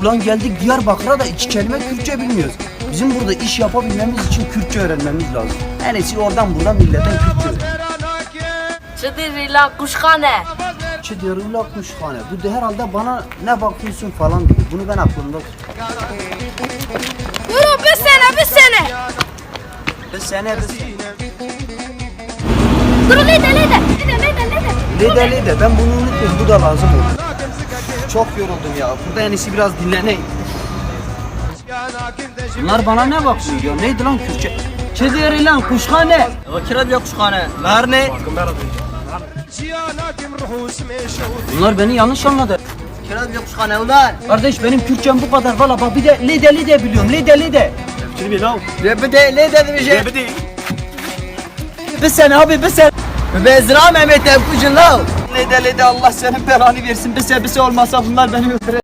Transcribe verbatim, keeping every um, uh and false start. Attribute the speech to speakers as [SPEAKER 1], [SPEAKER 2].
[SPEAKER 1] Ulan geldik Diyarbakır'a da iki kelime Kürtçe bilmiyoruz. Bizim burada iş yapabilmemiz için Kürtçe öğrenmemiz lazım. En iyisi oradan buradan milletten Kürtçe öğren.
[SPEAKER 2] Çıdırıyla kuşkane.
[SPEAKER 1] Çıdırıyla kuşhane. Bu da herhalde bana ne bakıyorsun falan diyor. Bunu ben aklımda tutuyorum.
[SPEAKER 2] Yürü bir sene bir sene.
[SPEAKER 1] Bir sene bir sene.
[SPEAKER 2] Dur lide lide. Lide lide lide.
[SPEAKER 1] Lide lide ben bunu unutmayayım. Bu da lazım olur. Çok yoruldum ya. Burada en iyisi biraz dinleneyim. Bunlar bana ne bakıyor ya? Neydi lan Kürtçe? Çıdırıyla kuşhane.
[SPEAKER 3] Vakira kuşhane. Lar ne?
[SPEAKER 1] Bunlar beni yanlış anladı.
[SPEAKER 3] Kira diyor kuşhane ulan.
[SPEAKER 1] Kardeş benim Kürtçem bu kadar valla bak bir de lide lide biliyorum lide lide.
[SPEAKER 3] Rebede ne dedi bir şey?
[SPEAKER 1] Bir sene abi bir sene.
[SPEAKER 3] Bezra Mehmet Evkucun la.
[SPEAKER 1] Lide lide Allah senin belanı versin bir sene bir sene olmasa bunlar beni öldürecek.